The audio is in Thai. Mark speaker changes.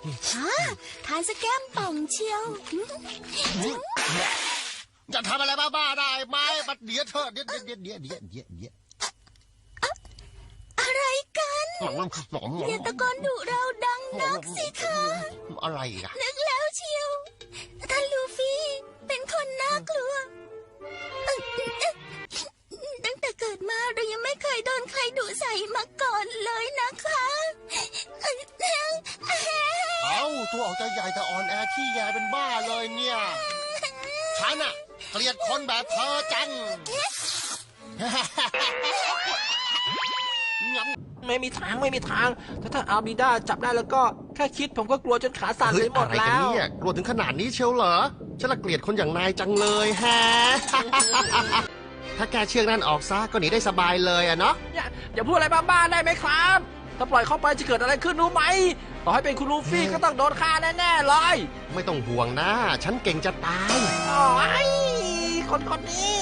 Speaker 1: ทานสแกมป่องเชียว
Speaker 2: จะทำอะไรบ้าๆได้ไหมบัดเดี๋ยวเธอเดี๋ยว
Speaker 1: อะไรกันอย่าตะโกนดุเราดังนักสิคะ
Speaker 2: อะไรอ่ะ
Speaker 1: นึกแล้วเชียวท่านลูฟี่เป็นคนน่ากลัวตั้งแต่เกิดมาเรายังไม่เคยโดนใครดุใส่มาก่อนเลยนะคะ
Speaker 2: ตัวออกจะใหญ่แต่อ่อนแอขี้แยเป็นบ้าเลยเนี่ยฉันอะเกลียดคนแบบเธอจัง
Speaker 3: ไม่มีทางถ้าอาบิด้าจับได้แล้วก็แค่คิดผมก็กลัวจนขาสั่นไปหมดแล้ว
Speaker 2: เนี่ยกลัวถึงขนาดนี้เชียวเหรอฉันละเกลียดคนอย่างนายจังเลยฮะถ้าแกเชือกนั่นออกซะก็หนีได้สบายเลยอะเนาะ
Speaker 3: อย่าพูดอะไรบ้าๆได้ไหมครับถ้าปล่อยเข้าไปจะเกิดอะไรขึ้นรู้ไหมต่อให้เป็นคุณลูฟี่ก็ต้องโดนฆ่าแน่ๆเลย
Speaker 2: ไม่ต้องห่วงนะฉันเก่งจะตาย
Speaker 3: โอ้ยคนนี้